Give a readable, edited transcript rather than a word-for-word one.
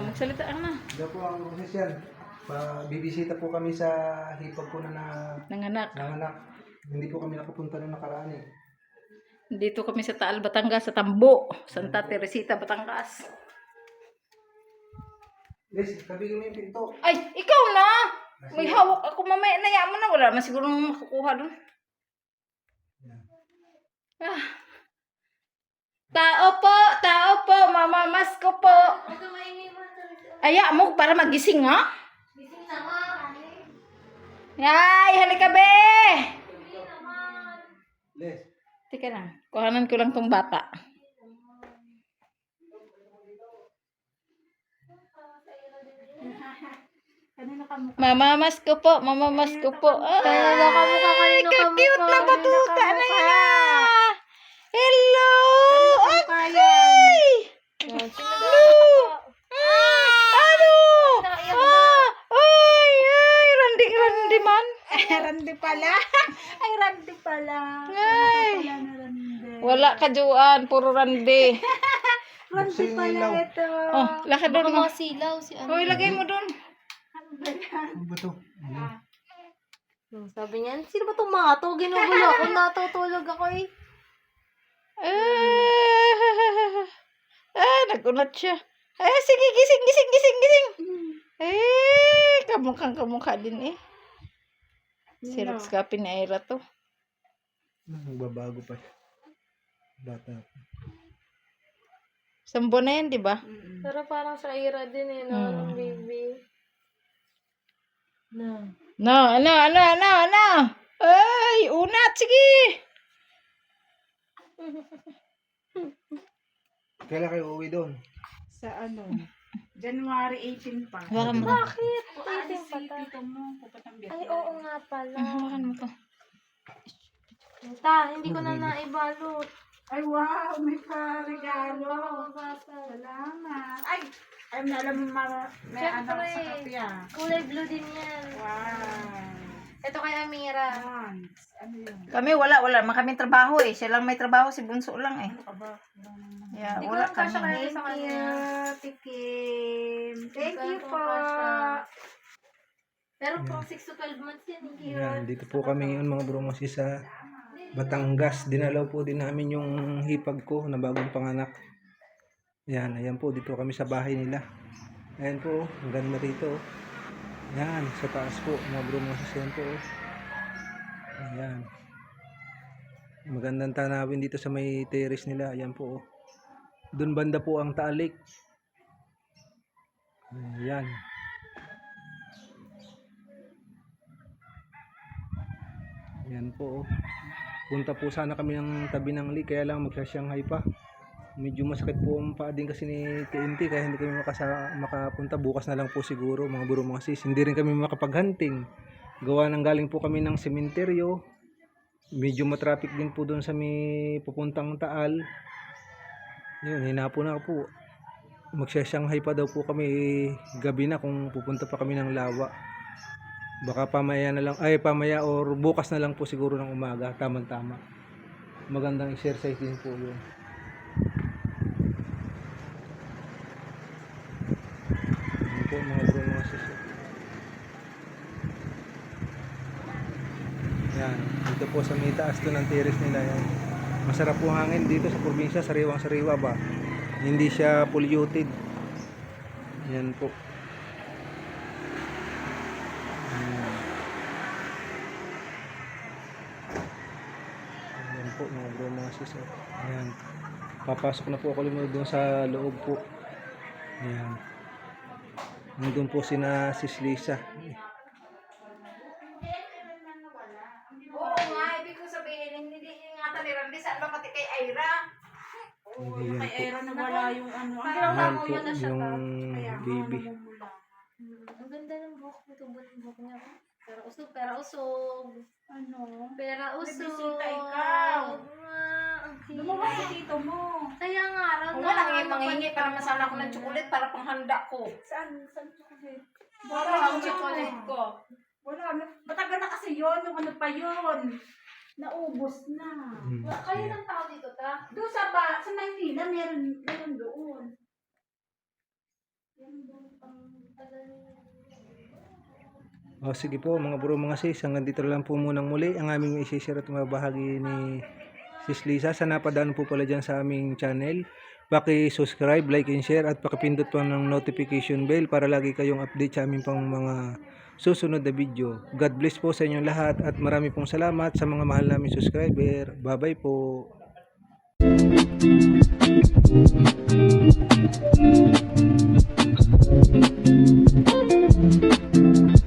Magsalita ka na. Ito po ang proses yan. Bibisita po kami sa hipag ko na Nanganak. nanganak. Hindi po kami nakapunta nung nakaraan eh. Dito kami sa Taal, Batangas, sa Tambo. Santa Teresita, Batangas. Liz, kabigin mo yung pinto. Ay, ikaw na! May hawak ako mamaya na yaman na. Wala naman siguro makukuha doon. Ah. Tao po, mamamas ko po. Aya mo para magising ha? Gising naman. Ay, halika be! Liz. Teka lang, kuhanan ko lang tong bata. Mamamas ko po. Ay, ka-cute na batuta na yan. Hello! Akoy! Hello! Ano? Ay, randi man. Randi pala. Ay, randi pala. Ay. Pala na randi. Wala ka juan, puro randi. Randi pala ito. Oh, lakad doon mo. Silaw si ano. Hoy, lagay mo doon. Ano ba ito? Sabi niya, sino ba itong mga to? Ginugulo ako, natutulog ako eh. Nagunat siya. Sige, gising. Kamukha din eh. Sirap skapin ni Ira to. Nagbabago pa siya. Bata pa. Sambo na yan, di ba? Pero parang sa Ira din eh, no? Baby. No. No, ano? Ay, unat, sige. Kailan kayo uwi doon? Sa ano? January 18 pa. Hawakan mo. Bakit? Aalis Titing si pata. tito mo, pupuntang Ay, Vietnam. oo nga pala. Hawakan mo to. Hindi ko na naibalot. Ay, wow, may pa-regalo. Bata. Salamat. Ay, na alam mo, may ano Siyempre. sa kapya. Kulay blue din yan. Wow. Ito kay Amira. Thanks. Ano yun? Kami wala kami trabaho eh. Siya lang may trabaho, si Bunso lang eh. Ano ka ba? Yeah, Hindi ko wala lang kasya kami. kaya sa kanya. Tikim. Thank you Ikaw, po. kasya. Pero pang 6 to 12 months yan, hindi Yan, dito po kami ngayon mga bromosi sa Batangas. Dinalaw po din namin yung hipag ko na bagong panganak. Yan, ayan po, dito kami sa bahay nila. Ayan po, ang ganda rito. Yan, sa taas po, mga bromosi yan po. Ayan. Magandang tanawin dito sa may terrace nila. Ayan po. Doon banda po ang Taalik. Ayan. Ayan po. Punta po sana kami ng tabi ng lake, kaya lang magsa-Shanghai pa. Medyo masakit po ang paa din kasi ni TNT, kaya hindi kami makapunta. Bukas na lang po siguro mga buro mga sis. Hindi rin kami makapag-hunting. Gawa ng galing po kami ng sementeryo. Medyo matraffic din po doon sa may pupuntang Taal. Yun, hinapo na po. Magsa-Shanghai pa daw po kami gabi na kung pupunta pa kami ng Lawa. Baka pamaya na lang, pamaya or bukas na lang po siguro ng umaga, tamang-tama. Magandang exercise din po yun. Yan po mga bro, mga suso. Yan, dito po sa may taas to ng terrace nila yan. Masarap po hangin dito sa probinsya, sariwang-sariwa ba. Hindi siya polluted. Yan po. Ayan po mga bro, mga sis. Ayan. Papasok na po ako doon sa loob po. Ayan. Nandun po sina Sis Lisa. Oo nga, ibig ko sabihin, hindi ingatan ni Randy, saan ba pati kay Ira? Ayan Kay po. Era nawala yung ano. Ayan po yung baby. Ang ganda ng buhok mo, tubo ng buhok niya. Pera usog. Ano? Pera May usog. bisita ikaw. Ang cute. Lumabas si tito mo. Kaya nga, raw Kung wala, mangingi para masana ako ng tsukulit para panghanda ko. Saan chocolate? Wala ang tsukulit ko. Wala. Matagal na kasi yun. Yung ano pa yun. Naubos na. Kayo ng tao dito, ta? Doon sa Maynila, meron doon. Meron doon. O sige po mga bro mga sis, hanggang dito lang po munang muli ang aming isishare at mabahagi ni Sis Lisa. Sa napadaan po pala dyan sa aming channel, paki-subscribe, like and share at pakipindot po ng notification bell para lagi kayong update sa aming pang mga susunod na video. God bless po sa inyong lahat at marami pong salamat sa mga mahal naming subscriber. Bye bye po.